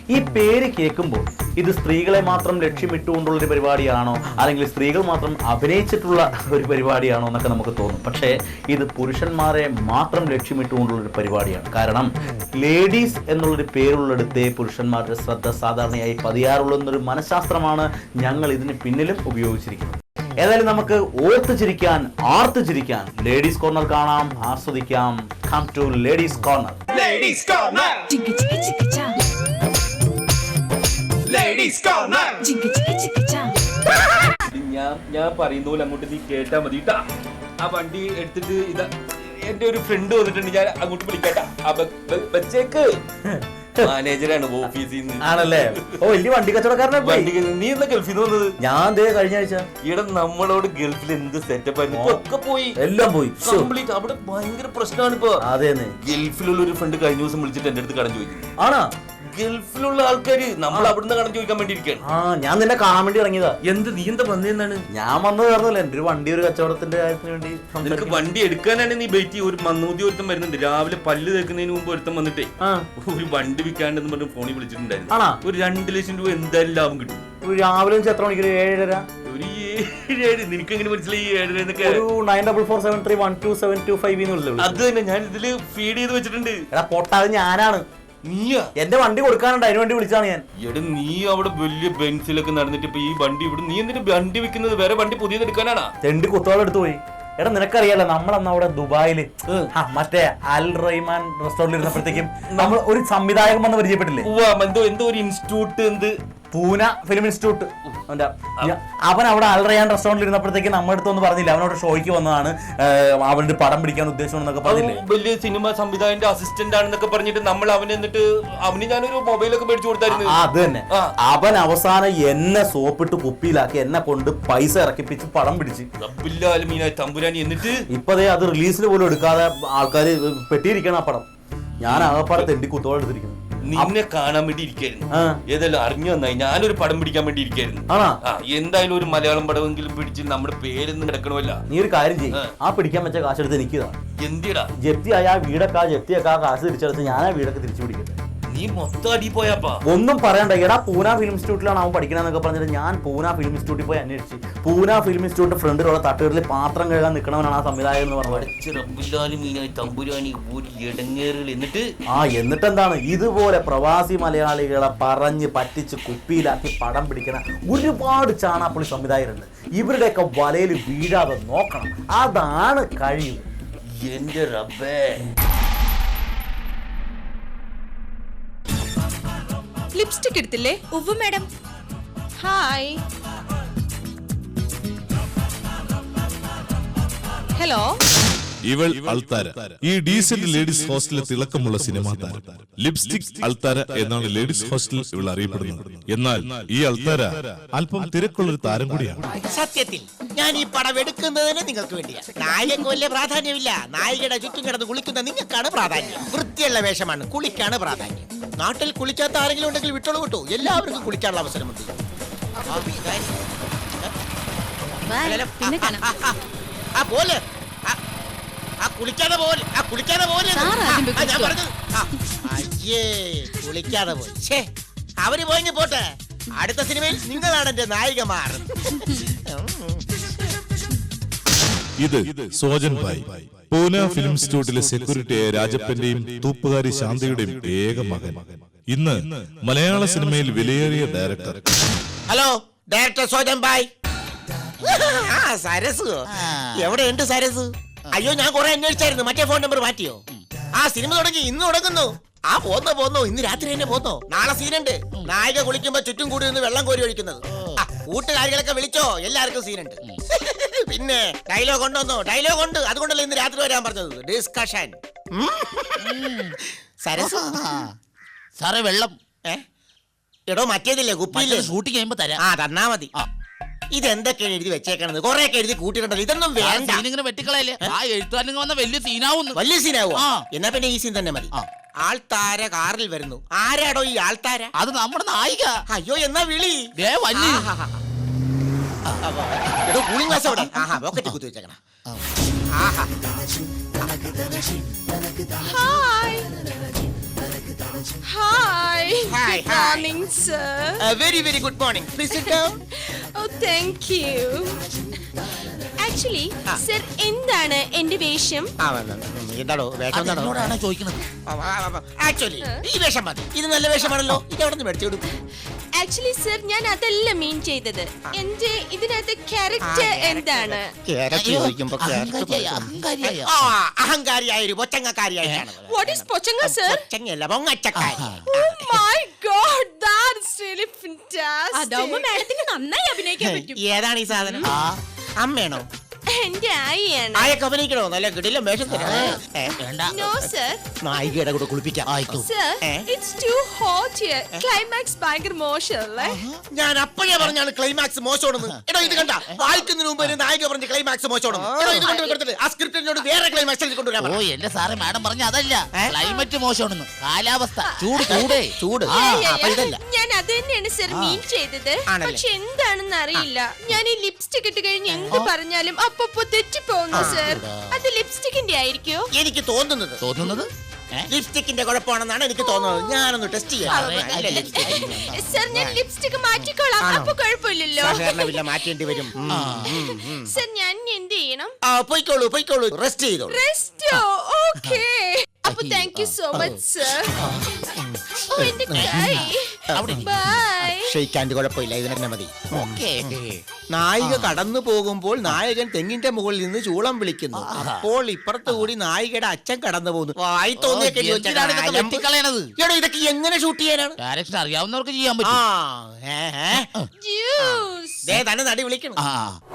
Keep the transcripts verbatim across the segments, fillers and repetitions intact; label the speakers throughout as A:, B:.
A: ഈ പേര് കേൾക്കുമ്പോൾ ഇത് സ്ത്രീകളെ മാത്രം ലക്ഷ്യമിട്ടുകൊണ്ടുള്ള ഒരു പരിപാടിയാണോ, അല്ലെങ്കിൽ സ്ത്രീകൾ മാത്രം അഭിനയിച്ചിട്ടുള്ള ഒരു പരിപാടിയാണോ എന്നൊക്കെ നമുക്ക് തോന്നും. പക്ഷേ ഇത് പുരുഷന്മാരെ മാത്രം ലക്ഷ്യമിട്ടുകൊണ്ടുള്ള ഒരു പരിപാടിയാണ്. കാരണം ലേഡീസ് എന്നുള്ളൊരു പേരുള്ളിടത്തെ പുരുഷന്മാരുടെ ശ്രദ്ധ സാധാരണയായി പതിയാറുള്ള എന്നൊരു മനഃശാസ്ത്രമാണ് ഞങ്ങൾ ഇതിന് പിന്നിലും ഉപയോഗിച്ചിരിക്കുന്നത്. ഏതായാലും നമുക്ക് ഓർത്ത് ചിരിക്കാൻ, ആർത്ത് ചിരിക്കാൻ ലേഡീസ് കോർണർ കാണാം, ആസ്വദിക്കാം. Come to ladies corner.
B: Ladies corner,
C: ചിക്ക് ചിക്ക് ചിക്ക് ചാ,
B: ലേഡീസ് കോർണർ.
C: ചിക്ക് ചിക്ക് ചിക്ക് ചാ.
D: ഞാൻ ഞാൻ പറയുന്ന പോലെ അങ്ങോട്ട് നീ കേട്ടാ മതി ട്ടാ. ആ വണ്ടി എടുത്തിട്ട് ഇതാ എന്റെ ഒരു ഫ്രണ്ട് വന്നിട്ടുണ്ട്, ഞാൻ അങ്ങോട്ട് വിളിക്കാട്ടാ. ആ ബ- ബ- ബച്ചേക്ക് മാനേജറാണ് ഓഫീസിൽ നിന്ന്.
A: ആണല്ലേ? ഓ, വലിയ വണ്ടി കച്ചവടക്കാരനെ.
D: വണ്ടി നീ എന്നാ ഗൾഫിൽ നിന്ന് വന്നത്?
A: ഞാൻ ദേ കഴിഞ്ഞ ആഴ്ച.
D: ഇവിടെ നമ്മളോട് ഗൾഫിൽ എന്ത് സെറ്റപ്പ് ആയിരുന്നു, ഇപ്പൊ ഒക്കെ പോയി,
A: എല്ലാം പോയി.
D: കംപ്ലീറ്റ്. അവിടെ ഭയങ്കര പ്രശ്നമാണ് ഇപ്പൊ.
A: അതേന്ന്.
D: ഗൾഫിലുള്ള ഒരു ഫ്രണ്ട് കഴിഞ്ഞ ദിവസം വിളിച്ചിട്ട് എന്റെ അടുത്ത് കടം ചോദിക്കുന്നു.
A: ആണോ?
D: ഗൾഫിലുള്ള ആൾക്കാര് നമ്മൾ അവിടുന്ന് കടം ചോദിക്കാൻ വേണ്ടി ഇരിക്കുകയാണ്.
A: ആ, ഞാൻ നിന്നെ കാണാൻ വേണ്ടി ഇറങ്ങിയതാ.
D: എന്ത് നീ എന്താ വന്നതെന്നാണ്?
A: ഞാൻ വന്നത് പറഞ്ഞല്ലേ, എന്റെ ഒരു വണ്ടി ഒരു കച്ചവടത്തിന്റെ കാര്യത്തിന് വേണ്ടി
D: നിനക്ക്
A: സംസാരിക്കാൻ.
D: വണ്ടി എടുക്കാനാണ് നീ ബൈറ്റ്. ഒരു മന്നൂതി ഒരുത്തം വരുന്നുണ്ട് രാവിലെ പല്ല് തേക്കുന്നതിന് മുമ്പ് ഒരുത്തം വന്നിട്ടേ
A: ആ,
D: ഒരു വണ്ടി വിൽക്കാണ്ടെന്ന് പറഞ്ഞ് ഫോണിൽ വിളിച്ചിട്ടുണ്ടായിരുന്നു.
A: ആണോ?
D: ഒരു രണ്ട് ലക്ഷം രൂപ എന്തായാലും ലാഭം കിട്ടും.
A: ഒരു രാവിലെ വെച്ച് എത്ര മണിക്ക്? ഏഴര.
D: ഒരു ഏഴ് ഏഴ് നിനക്ക് എങ്ങനെ മനസ്സിലായി ഈ ഏഴര എന്നൊക്കെ?
A: ഒരു nine double four seven three one two seven two five
D: അത് തന്നെ ഞാൻ ഇതില് ഫീഡ് ചെയ്ത് വെച്ചിട്ടുണ്ട്.
A: എടാ പൊട്ടാത് ഞാനാണ്.
D: നീയാ?
A: എന്റെ വണ്ടി കൊടുക്കാനുണ്ട്, അതിന് വേണ്ടി വിളിച്ചാണ് ഞാൻ.
D: എടാ നീ അവിടെ വലിയ ബെൻസിലൊക്കെ നടന്നിട്ട് ഇപ്പൊ ഈ വണ്ടി ഇവിടെ നീ എന്തിനാ വണ്ടി വിൽക്കുന്നത്? വേറെ വണ്ടി പുതിയത് എടുക്കാനാണാ?
A: തെണ്ടി കുത്തോളം എടുത്തു പോയി. എടാ നിനക്കറിയാലോ, നമ്മളന്ന് അവിടെ ദുബായില് ആ, മറ്റേ അൽ റഹ്മാൻ റെസ്റ്റോറന്റിൽ ഇരുന്നപ്പോഴത്തേക്കും നമ്മൾ ഒരു സംവിധായകൻ വന്ന് പരിചയപ്പെട്ടില്ലേ?
D: ഉവ്വ, എന്തോ എന്തോ ഒരു ഇൻസ്റ്റിറ്റ്യൂട്ട്, എന്ത്
A: പൂന ഫിലിം ഇൻസ്റ്റിറ്റ്യൂട്ട്. അവന്റെ അവൻ അവിടെ അൽ റയാൻ റെസ്റ്റോറന്റിൽ ഇരുന്നപ്പോഴത്തേക്ക് നമ്മുടെ അടുത്ത് ഒന്ന് പറഞ്ഞില്ല, അവനോട് ഷോയ്ക്ക് വന്നതാണ്, അവന്റെ പടം പിടിക്കാൻ ഉദ്ദേശിച്ചെന്നൊക്കെ പറഞ്ഞില്ലേ?
D: വലിയ സിനിമ സംവിധായകന്റെ അസിസ്റ്റന്റ് ആണെന്നൊക്കെ പറഞ്ഞിട്ട് നമ്മൾ അവന് എന്നിട്ട് അവന് ഞാനൊരു മൊബൈലൊക്കെ മേടിച്ചു കൊടുത്തായിരുന്നു.
A: ആ, അത് തന്നെ. അവൻ അവസാനം എന്നെ സോപ്പിട്ട് കുപ്പിയിലാക്കി എന്നെ കൊണ്ട് പൈസ ഇറക്കിപ്പിച്ച് പടം പിടിച്ച്
D: റബ്ബില്ലാലുമീനായ തമ്പുരാനി. എന്നിട്ട്
A: ഇപ്പതേ അത് റിലീസിൽ പോലും എടുക്കാതെ ആൾക്കാര് പെട്ടിയിരിക്കണം ആ പടം. ഞാൻ ആകപ്പാടെ തെണ്ടി കുത്തോളം എടുത്തിരിക്കുന്നു.
D: നിന്നെ കാണാൻ വേണ്ടി ഇരിക്കായിരുന്നു. ഏതായാലും അറിഞ്ഞു നന്നായി. ഞാനൊരു പടം പിടിക്കാൻ വേണ്ടി ഇരിക്കായിരുന്നു. ആ, എന്തായാലും ഒരു മലയാളം പടമെങ്കിലും പിടിച്ച് നമ്മുടെ പേരൊന്നും കിടക്കണമല്ല.
A: നീ ഒരു കാര്യം ചെയ്യും, ആ പിടിക്കാൻ വെച്ച കാശെടുത്ത് എനിക്കിതാ.
D: എന്തിടാ?
A: ജപ്തിയായ ആ വീടൊക്കെ, ആ ജപ്തിയൊക്കെ ആ കാശ് തിരിച്ചെടുത്ത് ഞാൻ ആ വീടൊക്കെ തിരിച്ചു പിടിക്കട്ടെ.
D: നീ മൊത്തം അടി പോയാപ്പാ.
A: ഒന്നും പറയണ്ട. എടാ പൂന ഫിലിം ഇൻസ്റ്റിറ്റ്യൂട്ടിലാണ് അവൻ പഠിക്കണമെന്നൊക്കെ പറഞ്ഞിട്ട് ഞാൻ പൂന ഫിലിം ഇൻസ്റ്റിറ്റ്യൂട്ടിൽ പോയി അന്വേഷിച്ച്, പൂന ഫിലിം ഇൻസ്റ്റിറ്റ്യൂട്ടിന്റെ ഫ്രണ്ടിലുള്ള തട്ടുകളിൽ പാത്രം കഴുകാൻ നിൽക്കണവനാണ് ആ സംവിധായകൻ എന്ന് പറഞ്ഞത്.
D: റബ്ബില്ലാലുമീനായ തമ്പുരാനി ഒരു ഇടങ്ങേറുകൾ. എന്നിട്ട്
A: ആ എന്നിട്ടെന്താണ്, ഇതുപോലെ പ്രവാസി മലയാളികളെ പറഞ്ഞ് പറ്റിച്ച് കുപ്പിയിലാക്കി പടം പിടിക്കുന്ന ഒരുപാട് ചാണാപ്പുളി സംവിധായകരുണ്ട്. ഇവരുടെയൊക്കെ വലയിൽ വീഴാതെ നോക്കണം, അതാണ് കഴിവ്.
D: എന്റെ റബ്ബേ.
C: ലിപ്സ്റ്റിക് എടുത്തില്ലേ?
E: ഉവ്വ് മാഡം.
C: ഹായ്.
E: ഹലോ.
F: ഇവൾ അൾത്താര, ഈ ഡീസന്റ് ലേഡീസ് ഹോസ്റ്റലിലെ തിളക്കമുള്ള സിനിമാ താരം. ലിപ്സ്റ്റിക് അൾത്താര എന്നാണ് ലേഡീസ് ഹോസ്റ്റലിൽ ഇവൾ അറിയപ്പെടുന്നത്. എന്നാൽ ഈ അൾത്താര അല്പം തിരക്കുള്ളൊരു താരം കൂടിയാണ്.
G: സത്യത്തിൽ ഞാൻ ഈ പടം എടുക്കുന്നതിന് നിങ്ങൾക്ക് വേണ്ടിയാണ്. നായകക്ക് വലിയ പ്രാധാന്യമില്ല. നായികയുടെ ചുറ്റും കിടന്ന് കുളിക്കുന്ന നിങ്ങൾക്കാണ് പ്രാധാന്യം. വൃത്തിയുള്ള വേഷമാണ്, കുളിക്കാണ് പ്രാധാന്യം. നാട്ടിൽ കുളിക്കാത്ത ആരെങ്കിലും ഉണ്ടെങ്കിൽ വിട്ടോളൂ വിട്ടു. എല്ലാവർക്കും കുളിക്കാനുള്ള അവസരമുണ്ട്.
E: പിന്നെ കാണാം.
G: ആ പോലെ ആ കുളിക്കാതെ പോലെ ആ കുളിക്കാതെ പോലെ ഞാൻ പറഞ്ഞത്. അയ്യേ, കുളിക്കാതെ പോയി. ഛേ, അവര് പോയി പോട്ടെ. അടുത്ത സിനിമയിൽ നിങ്ങളാണ് എന്റെ നായികമാർ.
F: ഇത് സോജൻ ഭായ്, പൂന ഫിലിം ഇൻസ്റ്റിറ്റ്യൂട്ടിലെ സെക്യൂരിറ്റിയായ രാജപ്പന്റെയും തൂപ്പുകാരി ശാന്തയുടെയും ഏക മകൻ. ഇന്ന് മലയാള സിനിമയിൽ വിലയേറിയ director.
G: Hello, director Sojan bhai. Saras എവിടെയുണ്ട് സരസ്? അയ്യോ, ഞാൻ കുറെ അന്വേഷിച്ചായിരുന്നു. മറ്റേ ഫോൺ നമ്പർ മാറ്റിയോ? ആ സിനിമ തുടങ്ങി, ഇന്ന് തുടങ്ങുന്നു. ആ പോന്നോ പോന്നോ, ഇന്ന് രാത്രി തന്നെ പോന്നോ. നാളെ സീനുണ്ട്. നായിക കുളിക്കുമ്പോ ചുറ്റും കൂടി നിന്ന് വെള്ളം കോരി ഒഴിക്കുന്നത്. കൂട്ടുകാരികളൊക്കെ വിളിച്ചോ, എല്ലാവർക്കും സീനുണ്ട്. പിന്നെ ഡയലോഗ് ഉണ്ടോന്നോ? ഡയലോഗ് ഉണ്ട്, അതുകൊണ്ടല്ലേ ഇന്ന് രാത്രി വരാൻ പറഞ്ഞത്. ഡിസ്കഷൻ. സരസ്
H: സാറേ, വെള്ളം.
G: ഏ എടോ, മറ്റേതില്ലേ കുപ്പിയില്ലേ?
H: ഷൂട്ടിംഗ് കഴിയുമ്പോ തരാം.
G: ആ, തന്നാ മതി. ഇതെന്തൊക്കെയാണ് എഴുതി വെച്ചേക്കണത്? കൊറേ ഒക്കെ എഴുതി കൂട്ടിയിട്ടുണ്ടല്ലോ. ഇതൊന്നും വേണ്ട.
H: ഇങ്ങനെ വെട്ടിക്കളയല്ലേ? ആ എഴുത്തുകാരൻ വന്ന വലിയ സീനാവുന്നു.
G: വലിയ സീനാവോ? എന്നാ പിന്നെ ഈ സീൻ തന്നെ മതി. ആൾത്താര കാറിൽ വരുന്നു. ആരാടോ ഈ ആൾത്താര?
H: അത് നമ്മുടെ നായിക.
G: അയ്യോ, എന്നാ വിളി. എടോ, കൂളിംഗ് ഗ്ലാസ് അവിടെ. ആഹാ, പോക്കറ്റ് കുത്തി വെച്ചേക്കണ. ആഹാ.
C: Hi. Hi.
G: Hi,
C: Good
G: hi.
C: morning, sir.
G: Very very good morning please sit down.
C: Oh, thank you. Actually,
G: ആ.
C: sir, എന്താണ് എന്റെ വേഷം?
G: എന്താണോ വേഷം
H: അത്
G: എന്താണോ
H: എന്നോടാണ് ചോദിക്കുന്നത്.
G: ആക്ച്വലി ഈ വേഷം മതി. ഇത് നല്ല വേഷമാണല്ലോ. ഇത് എവിടെ നിന്ന് മേടിച്ചു കൊടുക്കും?
C: ആക്ച്വലി സർ ഞാൻ അതല്ല മീൻ ചെയ്തത്. എന്റെ ഇതിനകത്ത് ക്യാരക്ടർ എന്താണ്?
H: അയ്യോ, അഹങ്കാരിയായ, അഹങ്കാരിയായ.
G: ആ അഹങ്കാരിയായ ഒരു പൊച്ചങ്ങക്കാരിയായിട്ടാണ്.
C: വാട്ട് ഈസ് പൊച്ചങ്ങ സർ?
G: പൊച്ചങ്ങയല്ല പൊങ്ങച്ചക്കാരി.
C: Oh my god, that's really fantastic.
E: അതാവുമ്പോ മാഡത്തിന് നന്നായി അഭിനയിക്കാൻ പറ്റും.
G: ഏതാണ് ഈ സാധനം?
H: ആ,
G: അമ്മയാണോ?
C: എന്റെ ആയിയാണ്.
G: ആയൊക്കെ അഭിനയിക്കണോ? നല്ല കിടിലം വേഷം തരാം. ഏ,
H: വേണ്ട.
C: No sir.
G: നായികയുടെ കൂടെ കുളിപ്പിക്കാം.
H: ആയിക്കോ.
C: Sir,
G: Eh?
C: it's too hot here. Climax ഭയങ്കര മോശമല്ലേ?
G: ഞാൻ അപ്പോഴേ പറഞ്ഞാണ് ക്ലൈമാക്സ് മോശമാണെന്ന്. എടോ ഇത് കണ്ട വായിക്കുന്നതിന് മുമ്പ് ഒരു നായിക പറഞ്ഞ ക്ലൈമാക്സ് മോശമാണെന്ന്. എടോ ഇത് കൊണ്ട് കൊടുത്തിട്ട് ആ സ്ക്രിപ്റ്റിനോട് വേറെ ക്ലൈമാക്സ് എഴുതി കൊണ്ടുവരാൻ
H: ഓ
G: പറ.
H: എന്റെ സാറേ മാഡം പറഞ്ഞ അതല്ല,
G: ഏ?
H: ക്ലൈമറ്റ് മോശമാണെന്ന്. കാലാവസ്ഥ ചൂട് ചൂടേ
G: ചൂട്.
H: ആ,
C: Yeah, yeah,
G: അപ്പൊ
C: yeah.
G: ഇതല്ല.
C: ഞാൻ അത് തന്നെയാണ് സർ മീൻ ചെയ്തത്.
G: ആണല്ലേ?
C: പക്ഷെ എന്താണെന്ന് അറിയില്ല. ഞാൻ ഈ ലിപ്സ്റ്റിക് ഇട്ട് കഴിഞ്ഞ് എന്ത് പറഞ്ഞാലും അപ്പൊ തെറ്റിപ്പോന്നു സർ. അത് ലിപ്സ്റ്റിക്കിന്റെ ആയിരിക്കോ?
G: എനിക്ക് തോന്നുന്നത്
H: തോന്നുന്നത് ഏ?
G: ലിപ്സ്റ്റിക്കിന്റെ കുഴപ്പമാണെന്നാണ് എനിക്ക് തോന്നുന്നത്. ഞാനൊന്ന് ടെസ്റ്റ് ചെയ്യാം. അല്ല, lipstick.
C: സർ ഞാൻ ലിപ്സ്റ്റിക് മാറ്റിക്കോളാം.
H: ആണോ?
C: അപ്പൊ കുഴപ്പമില്ലല്ലോ.
G: സഹകരണമില്ല, മാറ്റേണ്ടി വരും. ഉം, ഉം, ഉം.
C: സർ ഞാൻ ഇനി എന്ത് ചെയ്യണം?
G: ആ പൊയ്ക്കോളൂ പൊയ്ക്കോളൂ റെസ്റ്റ് ചെയ്തോളൂ.
C: റെസ്റ്റോ? ഓക്കേ. അപ്പൊ thank you so much sir. ഓ എന്റെ കൈ.
H: അവിടെ
C: ബൈ.
G: ക്ഷയിക്കാണ്ട് കുഴപ്പമില്ല, ഇതിന് തന്നെ മതി.
H: ഓക്കേ.
G: നായിക കടന്നു പോകുമ്പോൾ നായകൻ തെങ്ങിന്റെ മുകളിൽ നിന്ന് ചൂളം വിളിക്കുന്നു. അപ്പോൾ ഇപ്പുറത്ത് കൂടി നായികയുടെ അച്ഛൻ കടന്നു പോകുന്നു. വായി
H: ഓ,
G: തോന്നിയൊക്കെ
H: എന്തിനാണ് ഇതൊക്കെ വെട്ടിക്കളയണത്?
G: എടോ ഇതൊക്കെ എങ്ങനെ ഷൂട്ട് ചെയ്യാനാണ്?
H: ഡയറക്ഷൻ അറിയാവുന്നവർക്ക് ചെയ്യാൻ
G: ആ
H: പറ്റും.
G: ഏ, ഏ.
C: ജ്യൂസ്.
G: ദേ തന്നെ നടി വിളിക്കണം.
H: ആ,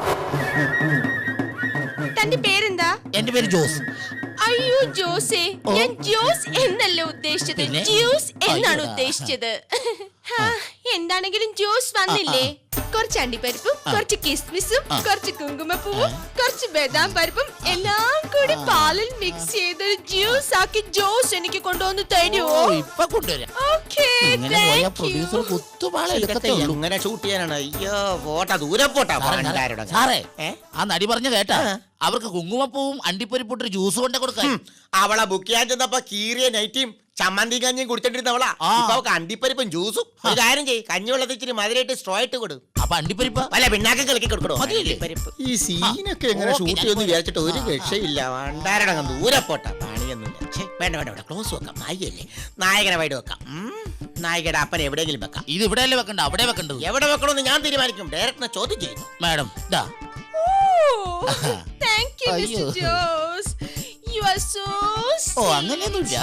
C: തന്റെ പേരെന്താ?
H: എന്റെ പേര് ജോസ്.
C: അയ്യോ ജോസേ, ഞാൻ ജ്യൂസ് എന്നല്ല ഉദ്ദേശിച്ചത്,
H: പിന്നെ?
C: ജ്യൂസ് എന്നാണ്
H: അയ്യോ.
C: ഉദ്ദേശിച്ചത്. ഹാ, എന്താണെങ്കിലും ജ്യൂസ് വന്നില്ലേ? കുറച്ച് അണ്ടിപ്പരിപ്പും കുറച്ച് കിസ്മിസും കുറച്ച് കുങ്കുമപ്പൂവും കുറച്ച് ബദാം പരിപ്പും എല്ലാം കൂടി പാലിൽ മിക്സ് ചെയ്ത് ജ്യൂസ് ആക്കി ജോസ് എനിക്ക് കൊണ്ടുവന്ന്
H: ഓ,
C: തരുമോ?
H: ഇപ്പൊ കൊണ്ടുവരാം.
C: ഓക്കേ,
H: ഇങ്ങനെ പോയ
C: താങ്ക്
H: പ്രൊഡ്യൂസർ
C: യു.
H: കുത്തുപാള
G: ഇതൊക്കെ
H: എടുക്കത്തേ ഉള്ളൂ.
G: എങ്ങനെ ഷൂട്ട് ചെയ്യാനാണ്? അയ്യോ പോട്ടാ, ദൂരെ പോട്ടാ.
H: സാറേ,
G: പണ്ടാരുടെ
H: സാറേ
G: ഏ?
H: ആ നടി പറഞ്ഞ കേട്ടാ, അവർക്ക് കുങ്കുമപ്പൂവും അണ്ടിപ്പരിപ്പൊട്ട് ജ്യൂസ് കൊണ്ട് കൊടുക്കാൻ.
G: ഉം. അവളെ ബുക്ക് ചെയ്യാൻ ചെന്നപ്പോ കീറിയ നൈറ്റിയും ചമ്മന്തി കഞ്ഞിയും കുടിച്ചോണ്ടിരുന്നവളാ.
H: ആ.
G: ഇപ്പൊ അവൾക്ക് അണ്ടിപ്പരിപ്പും ജ്യൂസും. ഒരു കാര്യം ചെയ്യ്, കഞ്ഞി വെള്ളത്തിൽ ഇച്ചിരി മധുരമായിട്ട് സ്ട്രോ ഇട്ട് കൊടു.
H: അപ്പൊ അണ്ടിപ്പരിപ്പ്
G: വല്ല പിന്നാക്കം കളിക്കി കൊടുക്കണോ?
H: മതിയില്ലേ?
G: ഈ സീനൊക്കെ എങ്ങനെ
H: ഓക്കേ,
G: ഷൂട്ട്
H: ഞാൻ
G: ചെയ്യുമെന്ന്
H: പോയി.
G: വിചാരിച്ചിട്ട് ഒരു രക്ഷയില്ല. വണ്ടാരടങ്ങ് ദൂരെ പോട്ടാ, പണിയൊന്നുമില്ല. ഛെ, വേണ്ട വേണ്ട വേണ്ട, ക്ലോസ് വെക്കാം. നായികയല്ലേ, നായകനെ വൈഡ് വെക്കാം. ഉം. നായികയുടെ അപ്പനെ എവിടെയെങ്കിലും വെക്കാം.
H: ഇത് ഇവിടെയല്ലേ വെക്കണ്ട, അവിടെ വെക്കണ്ടത്.
G: എവിടെ വെക്കണമെന്ന് ഞാൻ തീരുമാനിക്കും. ഡയറക്ടറിനെ ചോദ്യം ചെയ്യുന്നു.
H: മാഡം ഇതാ.
C: ഓ, താങ്ക് യു
H: അയ്യോ.
C: Mister Jose. You are so
H: ഓ അങ്ങനെയൊന്നുമില്ല.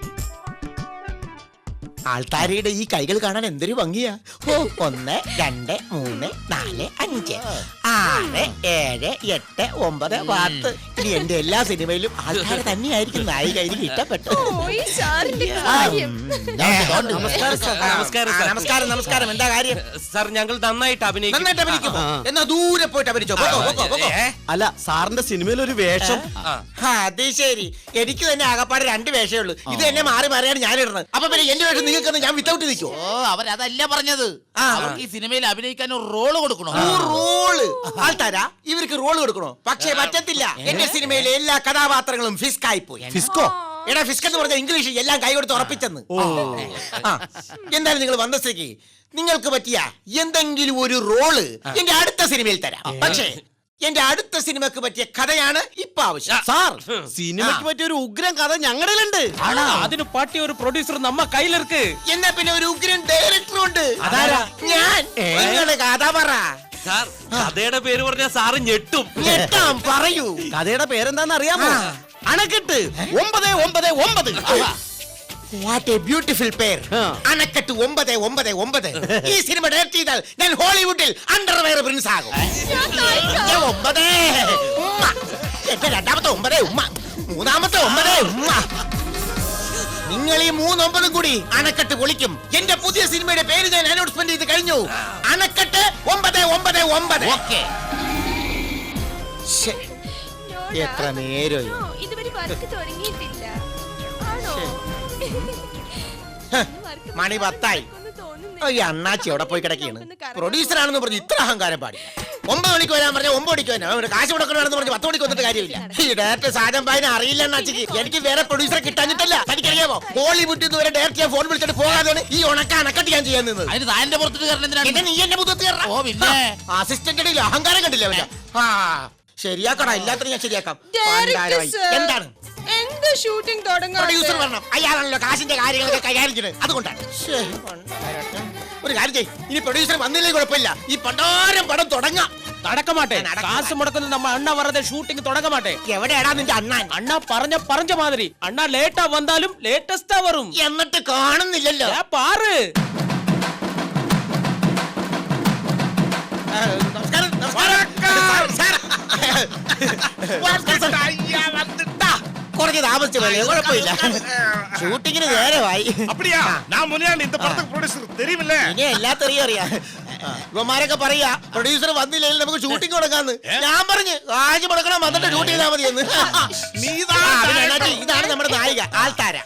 G: ആൾത്താരയുടെ ഈ കൈകൾ കാണാൻ എന്തൊരു ഭംഗിയാ. ഓ, ഒന്ന് രണ്ട് മൂന്ന് നാല് അഞ്ച് ആറ് ഏഴ് എട്ട് ഒമ്പത് പത്ത്. ഇനി എന്റെ എല്ലാ സിനിമയിലും ആൾക്കാർ തന്നെയായിരിക്കും നായിക. എനിക്ക് ഇഷ്ടപ്പെട്ടു.
C: ഓ, ഈ സാറിന്റെ കാര്യം.
G: നമസ്കാരം സാർ.
D: നമസ്കാരം
G: ആ,
D: സാർ.
G: നമസ്കാരം നമസ്കാരം. എന്താ കാര്യം?
D: സാർ ഞങ്ങൾ നന്നായിട്ട് അഭിനയിക്കും.
G: നന്നായിട്ട് അഭിനയിക്കുമോ? എന്നാ ദൂരെ പോയിട്ട് അഭിനയിച്ചോ. പോകോ, പോകോ, പോകോ.
B: അല്ല സാറിന്റെ സിനിമയിൽ ഒരു വേഷം.
G: ആ, അത് ശരി. എനിക്ക് തന്നെ ആകപ്പാടെ രണ്ട് വേഷമേ ഉള്ളൂ. ഇത് എന്നെ മാറി മാറിയാണ് ഞാൻ ഇടുന്നത്. അപ്പൊ പിന്നെ എന്റെ വേഷം നിങ്ങൾക്ക് ഞാൻ വിത്തൗട്ട് നിൽക്കുമോ?
H: ഓ അവരതല്ല പറഞ്ഞത്.
G: ആ.
H: അവർക്ക് ഈ സിനിമയിൽ അഭിനയിക്കാൻ ഒരു റോള് കൊടുക്കണോ?
G: റോള് ആൾത്താരാ ഇവർക്ക് റോള് കൊടുക്കണോ? പക്ഷേ പറ്റത്തില്ല. എന്റെ സിനിമയിലെ എല്ലാ കഥാപാത്രങ്ങളും ഫിസ്ക് ആയി പോയി.
B: ഫിസ്കോ?
G: എടാ ഫിസ്ക് എന്ന് പറഞ്ഞ ഇംഗ്ലീഷ് എല്ലാം കൈ കൊടുത്ത് ഉറപ്പിച്ചെന്ന്. ആ, എന്തായാലും നിങ്ങൾ വന്ന സ്ഥിതിക്ക് നിങ്ങൾക്ക് പറ്റിയ എന്തെങ്കിലും ഒരു റോള് എന്റെ അടുത്ത സിനിമയിൽ തരാം. പക്ഷേ എന്റെ അടുത്ത സിനിമക്ക് പറ്റിയ കഥയാണ് ഇപ്പൊ ആവശ്യം.
B: സാർ സിനിമയ്ക്ക് പറ്റിയ ഒരു ഉഗ്രം കഥ ഞങ്ങളുടെ
D: അതിന് പറ്റിയ ഒരു പ്രൊഡ്യൂസർ നമ്മ കയ്യിലിருக்கு.
G: എന്നാ പിന്നെ ഒരു ഉഗ്രൻ ഡയറക്ടർ ഉണ്ട്.
D: അതാരാ?
G: ഞാൻ. നിങ്ങള് കഥ പറ.
D: സാർ കഥയുടെ പേര് പറഞ്ഞ സാറ് ഞെട്ടും.
G: ഞെട്ടാം, പറയൂ.
B: കഥയുടെ പേരെന്താന്ന് അറിയാമോ?
G: ആ.
B: അണക്കെട്ട് ഒമ്പത് ഒമ്പത് ഒമ്പത്.
G: വാട്ട് എ ബ്യൂട്ടിഫുൾ പേർ. അണക്കെട്ട് ഒമ്പത് ഒമ്പത് ഒമ്പത്. ഈ സിനിമ ഡയറക്ട് ചെയ്താൽ ഞാൻ ഹോളിവുഡിൽ അണ്ടർവെയർ പ്രിൻസ് ആകും. ഞാൻ ഒമ്പത് ഉമ്മ. എന്റെ രണ്ടാമത്തെ ഒമ്പത് ഉമ്മ, മൂന്നാമത്തെ ഒമ്പത് ഉമ്മ. നിങ്ങൾ ഈ മൂന്നൊമ്പതും കൂടി അണക്കെട്ട് പൊളിക്കും. എന്റെ പുതിയ സിനിമയുടെ പേര് ഞാൻ അനൗൺസ്മെന്റ് ചെയ്ത് കഴിഞ്ഞു. അണക്കെട്ട് ഒമ്പത് ഒമ്പത് ഒമ്പത്.
H: ഓക്കേ.
G: ശ്ശേ,
C: നോടാ.
G: എത്ര നേരമായി.
C: ഓ, ഇതുവരെ വർക്ക് തുടങ്ങിയിട്ടില്ല. ആണോ?
G: ഹ,
C: വർക്ക്
G: മണി പത്തായി.
C: നടക്കുമെന്ന് തോന്നുന്നില്ല.
G: ഈ അണ്ണാച്ചി എവിടെ പോയി കിടക്കുകയാണ്? പ്രൊഡ്യൂസർ ആണെന്ന് പറഞ്ഞ് ഇത്ര അഹങ്കാരം പാടില്ല. ഒമ്പത് മണിക്ക് വരാൻ പറഞ്ഞ ഒമ്പത് മണിക്ക് വരാം അവന് കാശ് മുടക്കണമെന്ന് പറഞ്ഞ് പത്ത് മണിക്ക് വന്നിട്ട് കാര്യമില്ല. ഈ ഡയറക്ടർ സാധനം പായനെ അറിയില്ല അച്ഛക്ക്. എനിക്ക് വേറെ പ്രൊഡ്യൂസറെ കിട്ടാഞ്ഞിട്ടല്ല. തനിക്കറിയാമോ ബോളിവുഡിൽ നിന്ന് വരെ ഡയറക്ടർ ഞാൻ ഫോൺ വിളിച്ചിട്ട് പോകാതെയാണ് ഈ ഉണക്ക അണക്കട്ട് ഞാൻ ചെയ്യാൻ നിന്നത്.
H: അതിന് താന്റെ പുറത്തിട്ട് കയറണം
G: പിന്നെ
H: എന്തിനാണ്?
G: നീ എന്നെ മുഖത്ത്
H: ഓ, പിന്നെ.
G: അസിസ്റ്റന്റ് അഹങ്കാരം കണ്ടില്ല അവന്റെ. ആ ശരിയാക്കടാ, എല്ലാത്തിനും ഞാൻ ശരിയാക്കാം.
C: Director
G: പണ്ടാരമായി.
C: sir.
G: എന്താണ്
C: എന്ത് ഷൂട്ടിംഗ്
G: പ്രൊഡ്യൂസർ
C: തുടങ്ങാൻ
G: വരണം. അയാളാണല്ലോ കാശിന്റെ കാര്യങ്ങളൊക്കെ കൈകാര്യം ചെയ്യുന്നത്. അതുകൊണ്ടാണ്. ശ്ശേ, പണ്ടാരട്ടെ. ഒരു കാര്യം ചെയ്യ്, ഇനി പ്രൊഡ്യൂസർ വന്നില്ലേ കുഴപ്പമില്ല, ഈ പണ്ടാരം പടം തുടങ്ങാം.
B: നടക്ക മാട്ടെ
G: നടக்க
B: കാശ് മുടക്കുന്ന നമ്മ അണ്ണ വരതെ ഷൂട്ടിംഗ് തുടങ്ങ മാട്ടെ.
G: എവിടെയാടാ നിന്റെ അണ്ണാൻ?
B: അണ്ണ പറഞ്ഞ പറഞ്ഞ മാതിരി അണ്ണ ലേറ്റാ വന്നാലും ലേറ്റസ്റ്റാ വരും.
G: എന്നിട്ട് കാണുന്നില്ലല്ലോ.
B: ഏ, പാറ്
G: ആ, നമസ്കാരം, നമസ്കാരം. സാർ, ദാ, കുറച്ച് താമസിച്ചു പോലെ കുഴപ്പമില്ല. ഷൂട്ടിങ്ങിന് നേരമായി.
F: அப்படியா நான் முனியாண்டி இந்த படத்துக்கு ப்ரொடியூசர் தெரியுமில்ல
G: ഇനി എല്ലാത്തറിയും അറിയാം. ഇവന്മാരൊക്കെ പറയാ പ്രൊഡ്യൂസർ വന്നില്ലെങ്കിൽ നമുക്ക് ഷൂട്ടിംഗ് തുടങ്ങാന്ന്. ഞാൻ പറഞ്ഞു കാശ് മുടക്കണം, വന്നിട്ട് ഷൂട്ട് ചെയ്താൽ മതിയെന്ന്. ആ, പിന്നെ എന്നാ, ഇതാണ് നമ്മുടെ നായിക ആൾത്താര.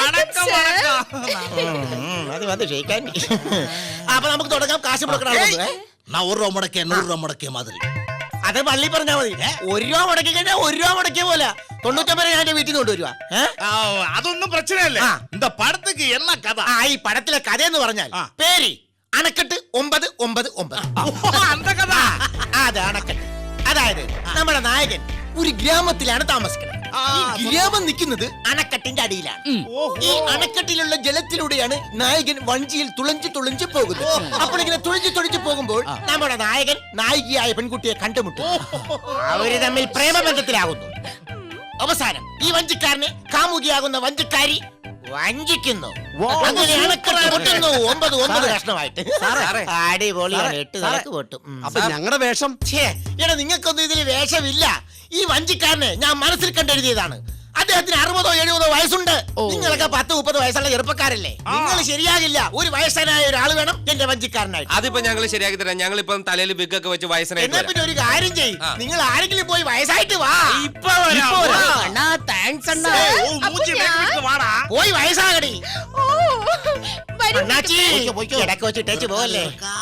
G: ഉം, അത് മതി ക്ഷയിക്കാൻ. അപ്പൊ നമുക്ക് തുടങ്ങാം. കാശ് മുടക്കണം.
H: நான் ஒரு ரூபா முடக்கே நூறு ரூபா முடக்கே மாதிரி.
G: അത് പള്ളി പറഞ്ഞാ മതി. ഒരു രൂപ മുടക്കി കഴിഞ്ഞാൽ ഒരു രൂപ മുടക്കിയ പോലെ തൊണ്ണൂറ്റമ്പത് ഞാൻ എന്റെ വീട്ടിൽ നിന്ന് കൊണ്ടുവരുവാ.
F: അതൊന്നും പ്രശ്നം ഇല്ല
G: ആ.
F: இந்த படத்துக்கு என்ன கதை
G: ആ ഈ പടത്തിലെ കഥ എന്ന് പറഞ്ഞാൽ പേര് അണക്കെട്ട് ഒമ്പത് ഒമ്പത് ഒമ്പത്.
F: அந்த கதை
G: ആ, അത് അണക്കെട്ട്. അതായത് നമ്മുടെ നായകൻ ഒരു ഗ്രാമത്തിലാണ് താമസിക്കുന്നത്. ഈ ഗ്രാമം നിൽക്കുന്നത് അണക്കെട്ടിന്റെ അടിയിലാണ്. ഈ അണക്കെട്ടിലുള്ള ജലത്തിലൂടെയാണ് നായകൻ വഞ്ചിയിൽ തുളഞ്ചു തുളഞ്ചു പോകുന്നത്. അപ്പോൾ ഇങ്ങനെ തുളഞ്ചു തുളഞ്ചു പോകുമ്പോൾ നമ്മുടെ നായകൻ നായികയായ പെൺകുട്ടിയെ കണ്ടുമുട്ടും. അവര് തമ്മിൽ പ്രേമബന്ധത്തിലാകുന്നു. അവസാനം ഈ വഞ്ചിക്കാരനെ കാമുകിയാകുന്ന വഞ്ചിക്കാരി വഞ്ചിക്കുന്നു. അങ്ങനെ അണക്കെട്ട് പൊട്ടുന്നു. ഒമ്പത് ഒമ്പത് കഷ്ണമായിട്ട്. അടിപൊളിയാണ്. എട്ട് തലക്ക് പൊട്ടും. ഉം.
B: അപ്പൊ ഞങ്ങളുടെ വേഷം
G: ഛേ, എടാ നിങ്ങൾക്കൊന്നും ഇതിൽ വേഷമില്ല. ഈ വഞ്ചിക്കാരനെ ഞാൻ മനസ്സിൽ കണ്ടെഴുതിയതാണ്. അദ്ദേഹത്തിന് അറുപതോ എഴുപതോ വയസ്സുണ്ട്. നിങ്ങളൊക്കെ പത്ത് മുപ്പത് വയസ്സുള്ള ചെറുപ്പക്കാരല്ലേ. നിങ്ങൾ ശരിയാകില്ല. ഒരു വയസ്സനായ ഒരാൾ വേണം എന്റെ വഞ്ചിക്കാരനായിട്ട്.
D: അതിപ്പോ ഞങ്ങൾ ശരിയാക്കി തരാം. ഞങ്ങൾ ഇപ്പം തലയിൽ ബിഗൊക്കെ വെച്ച് വയസ്സനായിട്ട്
G: എന്നാ പിന്നെ ഒരു കാര്യം ചെയ്യും, നിങ്ങൾ ആരെങ്കിലും പോയി വയസ്സായിട്ട് വാ.
B: ഇപ്പൊ വരാം.
G: ഇപ്പൊ വരാം.
B: അണ്ണാ താങ്ക്സ് അണ്ണ.
G: പോയി വയസ്സാകടി.
C: ഓ വരൂ.
G: അണ്ണാച്ചി ഇടയ്ക്ക് വെച്ചിട്ടേച്ച് പോകല്ലേ.